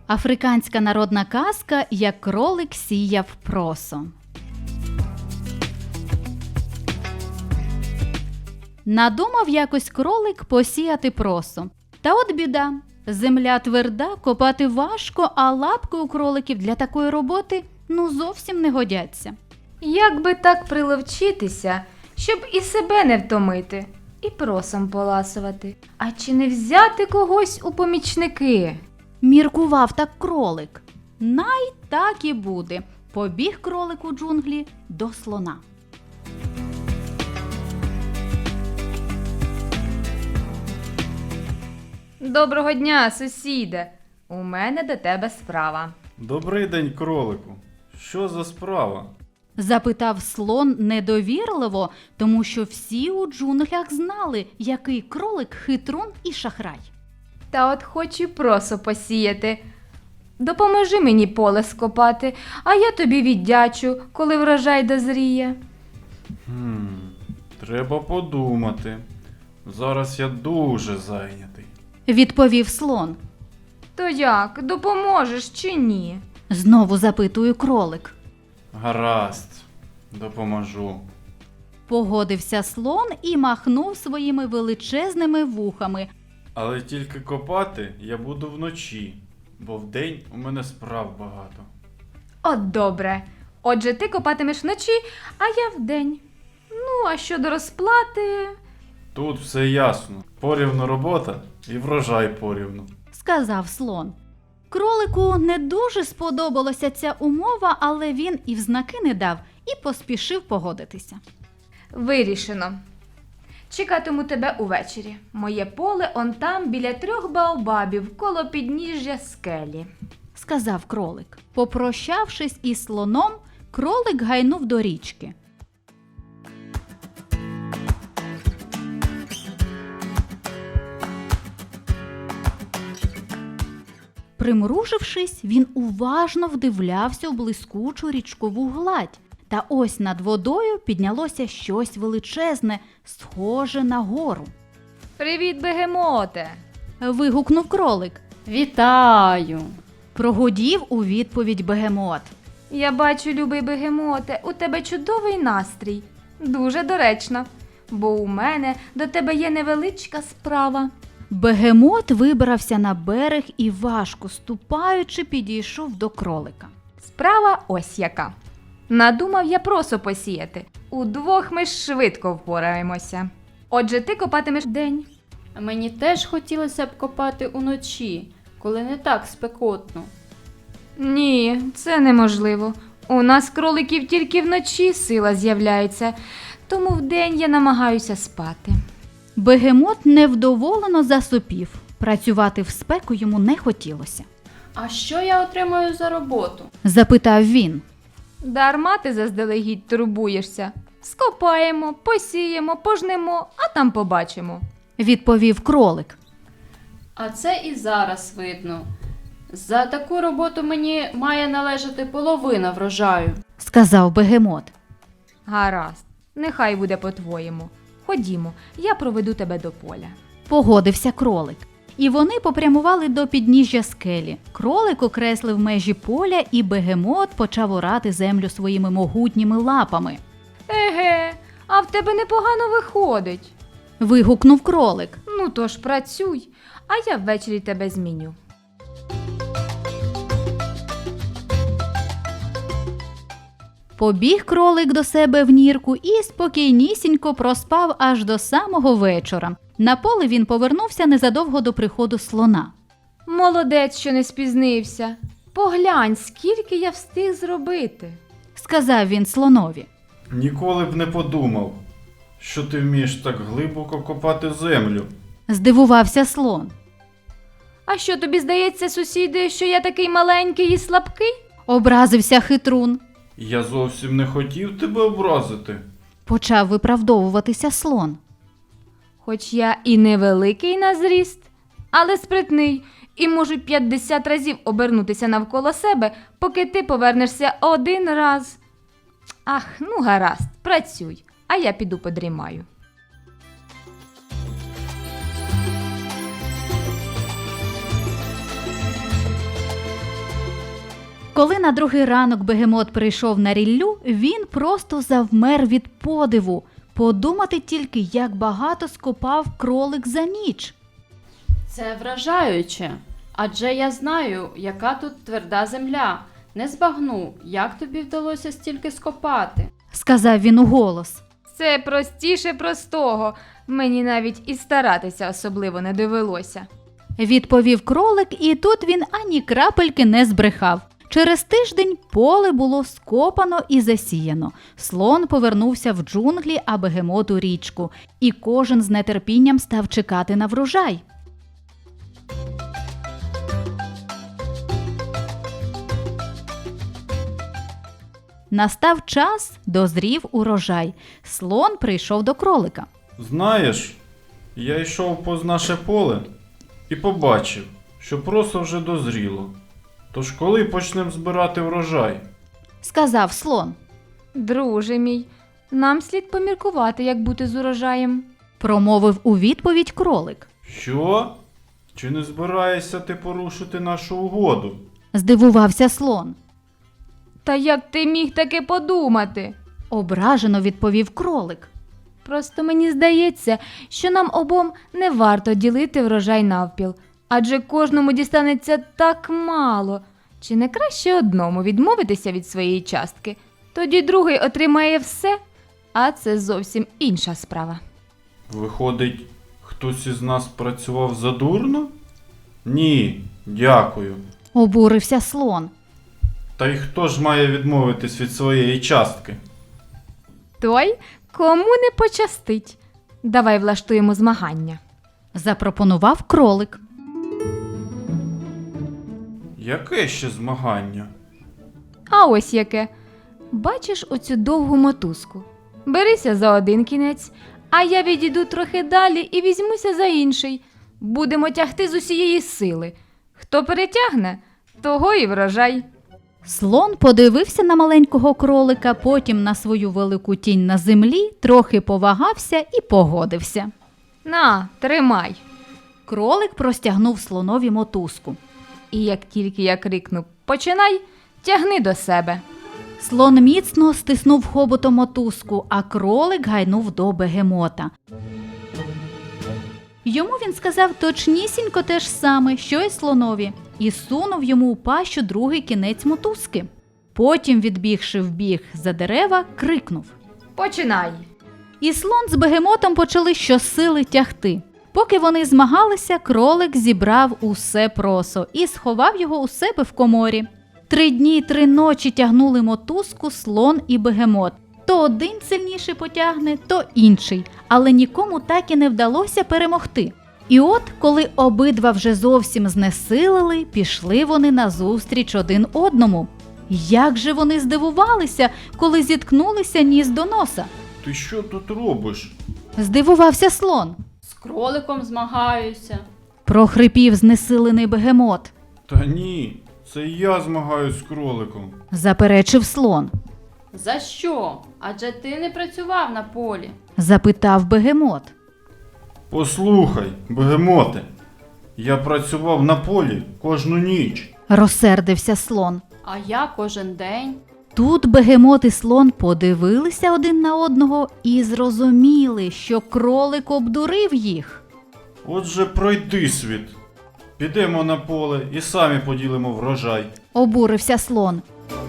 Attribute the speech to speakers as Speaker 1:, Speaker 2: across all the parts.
Speaker 1: Африканська народна казка «Як кролик сіяв просо». Надумав якось кролик посіяти просо. Та от біда. Земля тверда, копати важко, а лапки у кроликів для такої роботи зовсім не годяться.
Speaker 2: Як би так приловчитися, щоб і себе не втомити, і просом поласувати? А чи не взяти когось у помічники?
Speaker 1: Міркував так кролик. Най так і буде. Побіг кролик у джунглі до слона.
Speaker 2: Доброго дня, сусіде! У мене до тебе справа.
Speaker 3: Добрий день, кролику. Що за справа?
Speaker 1: Запитав слон недовірливо, тому що всі у джунглях знали, який кролик хитрун і шахрай.
Speaker 2: Та от хочу просо посіяти. Допоможи мені поле скопати, а я тобі віддячу, коли врожай дозріє.
Speaker 3: Треба подумати. Зараз я дуже зайнятий.
Speaker 1: Відповів слон.
Speaker 2: То як, допоможеш чи ні?
Speaker 1: Знову запитує кролик.
Speaker 3: Гаразд, допоможу.
Speaker 1: Погодився слон і махнув своїми величезними вухами.
Speaker 3: Але тільки копати я буду вночі, бо вдень у мене справ багато.
Speaker 2: От добре. Отже, ти копатимеш вночі, а я вдень. А щодо розплати...
Speaker 3: Тут все ясно. Порівну робота і врожай порівну.
Speaker 1: Сказав слон. Кролику не дуже сподобалася ця умова, але він і взнаки не дав і поспішив погодитися.
Speaker 2: Вирішено. Чекатиму тебе увечері. Моє поле он там, біля 3 баобабів, коло підніжжя скелі.
Speaker 1: Сказав кролик. Попрощавшись із слоном, кролик гайнув до річки. Примружившись, він уважно вдивлявся у блискучу річкову гладь. Та ось над водою піднялося щось величезне, схоже на гору.
Speaker 2: Привіт, бегемоте!
Speaker 1: Вигукнув кролик.
Speaker 4: Вітаю!
Speaker 1: Прогудів у відповідь бегемот.
Speaker 2: Я бачу, любий бегемоте, у тебе чудовий настрій. Дуже доречно, бо у мене до тебе є невеличка справа.
Speaker 1: Бегемот вибрався на берег і, важко ступаючи, підійшов до кролика.
Speaker 2: Справа ось яка. Надумав я просо посіяти. Удвох ми швидко впораємося. Отже, ти копатимеш вдень.
Speaker 4: Мені теж хотілося б копати уночі, коли не так спекотно.
Speaker 2: Ні, це неможливо. У нас кроликів тільки вночі сила з'являється, тому вдень я намагаюся спати.
Speaker 1: Бегемот невдоволено засопів. Працювати в спеку йому не хотілося.
Speaker 4: А що я отримаю за роботу?
Speaker 1: Запитав він.
Speaker 2: Дарма ти заздалегідь турбуєшся. Скопаємо, посіємо, пожнемо, а там побачимо.
Speaker 1: Відповів кролик.
Speaker 4: А це і зараз видно. За таку роботу мені має належати половина врожаю.
Speaker 1: Сказав бегемот.
Speaker 2: Гаразд, нехай буде по-твоєму. Ходімо, я проведу тебе до поля.
Speaker 1: Погодився кролик. І вони попрямували до підніжжя скелі. Кролик окреслив межі поля, і бегемот почав орати землю своїми могутніми лапами.
Speaker 2: Еге, а в тебе непогано виходить.
Speaker 1: Вигукнув кролик.
Speaker 2: Ну то ж працюй, а я ввечері тебе зміню.
Speaker 1: Побіг кролик до себе в нірку і спокійнісінько проспав аж до самого вечора. На поле він повернувся незадовго до приходу слона.
Speaker 2: Молодець, що не спізнився. Поглянь, скільки я встиг зробити.
Speaker 1: Сказав він слонові.
Speaker 3: Ніколи б не подумав, що ти вмієш так глибоко копати землю.
Speaker 1: Здивувався слон.
Speaker 2: А що, тобі здається, сусіди, що я такий маленький і слабкий?
Speaker 1: Образився хитрун.
Speaker 3: Я зовсім не хотів тебе образити.
Speaker 1: Почав виправдовуватися слон.
Speaker 2: Хоч я і невеликий на зріст, але спритний, і можу 50 разів обернутися навколо себе, поки ти повернешся один раз. Ах, гаразд, працюй, а я піду подрімаю.
Speaker 1: Коли на другий ранок бегемот прийшов на ріллю, він просто завмер від подиву. Подумати тільки, як багато скопав кролик за ніч.
Speaker 4: Це вражаюче. Адже я знаю, яка тут тверда земля. Не збагну, як тобі вдалося стільки скопати.
Speaker 1: Сказав він уголос.
Speaker 2: Це простіше простого. Мені навіть і старатися особливо не довелося.
Speaker 1: Відповів кролик, і тут він ані крапельки не збрехав. Через тиждень поле було скопано і засіяно. Слон повернувся в джунглі, а бегемот у річку. І кожен з нетерпінням став чекати на врожай. Настав час, дозрів урожай. Слон прийшов до кролика.
Speaker 3: Знаєш, я йшов повз наше поле і побачив, що просо вже дозріло. Тож коли почнемо збирати врожай?
Speaker 1: Сказав слон.
Speaker 2: Друже мій, нам слід поміркувати, як бути з урожаєм.
Speaker 1: Промовив у відповідь кролик.
Speaker 3: Що? Чи не збираєшся ти порушити нашу угоду?
Speaker 1: Здивувався слон.
Speaker 2: Та як ти міг таке подумати?
Speaker 1: Ображено відповів кролик.
Speaker 2: Просто мені здається, що нам обом не варто ділити врожай навпіл, адже кожному дістанеться так мало. Чи не краще одному відмовитися від своєї частки? Тоді другий отримає все, а це зовсім інша справа.
Speaker 3: Виходить, хтось із нас працював задурно? Ні, дякую.
Speaker 1: Обурився слон.
Speaker 3: Та й хто ж має відмовитись від своєї частки?
Speaker 2: Той, кому не пощастить. Давай влаштуємо змагання.
Speaker 1: Запропонував кролик.
Speaker 3: Яке ще змагання?
Speaker 2: А ось яке. Бачиш оцю довгу мотузку? Берися за один кінець, а я відійду трохи далі і візьмуся за інший. Будемо тягти з усієї сили. Хто перетягне, того і врожай.
Speaker 1: Слон подивився на маленького кролика, потім на свою велику тінь на землі, трохи повагався і погодився.
Speaker 2: На, тримай.
Speaker 1: Кролик простягнув слонові мотузку.
Speaker 2: І як тільки я крикну «Починай!», тягни до себе.
Speaker 1: Слон міцно стиснув хоботом мотузку, а кролик гайнув до бегемота. Йому він сказав точнісінько те ж саме, що й слонові, і сунув йому у пащу другий кінець мотузки. Потім, відбігши вбіг за дерева, крикнув.
Speaker 2: Починай.
Speaker 1: І слон з бегемотом почали щосили тягти. Поки вони змагалися, кролик зібрав усе просо і сховав його у себе в коморі. 3 дні й 3 ночі тягнули мотузку слон і бегемот. То один сильніше потягне, то інший, але нікому так і не вдалося перемогти. І от, коли обидва вже зовсім знесилили, пішли вони назустріч один одному. Як же вони здивувалися, коли зіткнулися ніс до носа.
Speaker 3: Ти що тут робиш?
Speaker 1: Здивувався слон.
Speaker 4: З кроликом змагаюся.
Speaker 1: Прохрипів знесилений бегемот.
Speaker 3: Та ні, це я змагаюсь з кроликом.
Speaker 1: Заперечив слон.
Speaker 4: За що? Адже ти не працював на полі.
Speaker 1: Запитав бегемот.
Speaker 3: Послухай, бегемоте, я працював на полі кожну ніч.
Speaker 1: Розсердився слон.
Speaker 4: А я кожен день.
Speaker 1: Тут бегемот і слон подивилися один на одного і зрозуміли, що кролик обдурив їх.
Speaker 3: Отже, пройди світ. Підемо на поле і самі поділимо врожай.
Speaker 1: Обурився слон.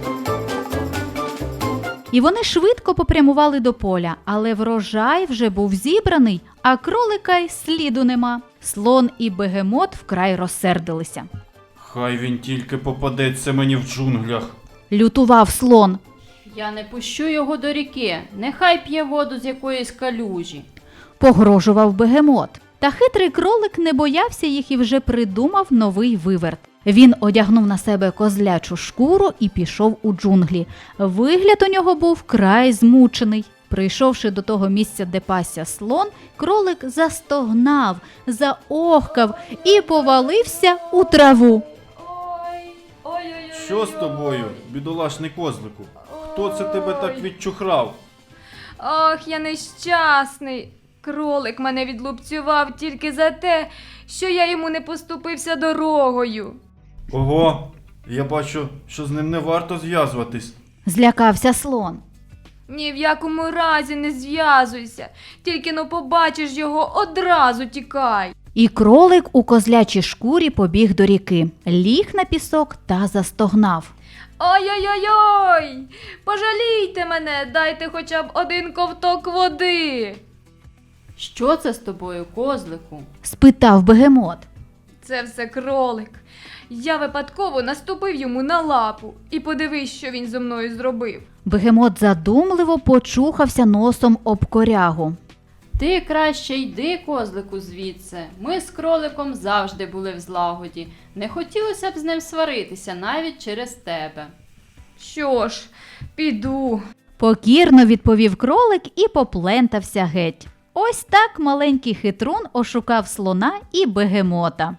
Speaker 1: І вони швидко попрямували до поля, але врожай вже був зібраний, а кролика й сліду нема. Слон і бегемот вкрай розсердилися.
Speaker 3: Хай він тільки попадеться мені в джунглях.
Speaker 1: Лютував слон.
Speaker 4: Я не пущу його до ріки. Нехай п'є воду з якоїсь калюжі.
Speaker 1: Погрожував бегемот. Та хитрий кролик не боявся їх і вже придумав новий виверт. Він одягнув на себе козлячу шкуру і пішов у джунглі. Вигляд у нього був край змучений. Прийшовши до того місця, де пасся слон, кролик застогнав, заохкав і повалився у траву.
Speaker 4: Ой-ой-ой.
Speaker 3: Що з тобою, бідолашний козлику? Хто це тебе так відчухрав?
Speaker 2: Ох, я нещасний. Кролик мене відлупцював тільки за те, що я йому не поступився дорогою.
Speaker 3: Ого, Я бачу, що з ним не варто зв'язуватись.
Speaker 1: Злякався слон.
Speaker 2: Ні в якому разі не зв'язуйся. Тільки но побачиш його, одразу тікай.
Speaker 1: І кролик у козлячій шкурі побіг до ріки, ліг на пісок та застогнав.
Speaker 2: Ой-ой-ой! Пожалійте мене, дайте хоча б один ковток води.
Speaker 4: Що це з тобою, козлику?
Speaker 1: Спитав бегемот.
Speaker 2: Це все кролик. Я випадково наступив йому на лапу. І подивись, що він зо мною зробив.
Speaker 1: Бегемот задумливо почухався носом об корягу.
Speaker 4: Ти краще йди, козлику, звідси. Ми з кроликом завжди були в злагоді. Не хотілося б з ним сваритися навіть через тебе.
Speaker 2: Що ж, піду.
Speaker 1: Покірно відповів кролик і поплентався геть. Ось так маленький хитрун ошукав слона і бегемота.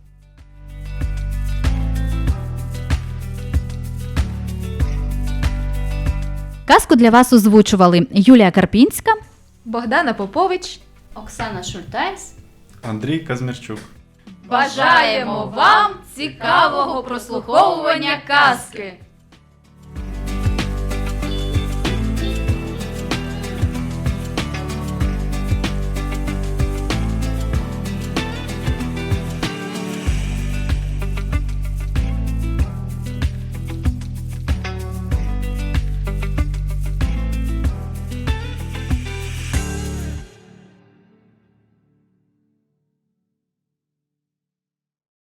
Speaker 1: Казку для вас озвучували Юлія Карпінська.
Speaker 2: Богдана Попович.
Speaker 4: Оксана Шультайс.
Speaker 3: Андрій Казмірчук.
Speaker 2: Бажаємо вам цікавого прослуховування казки!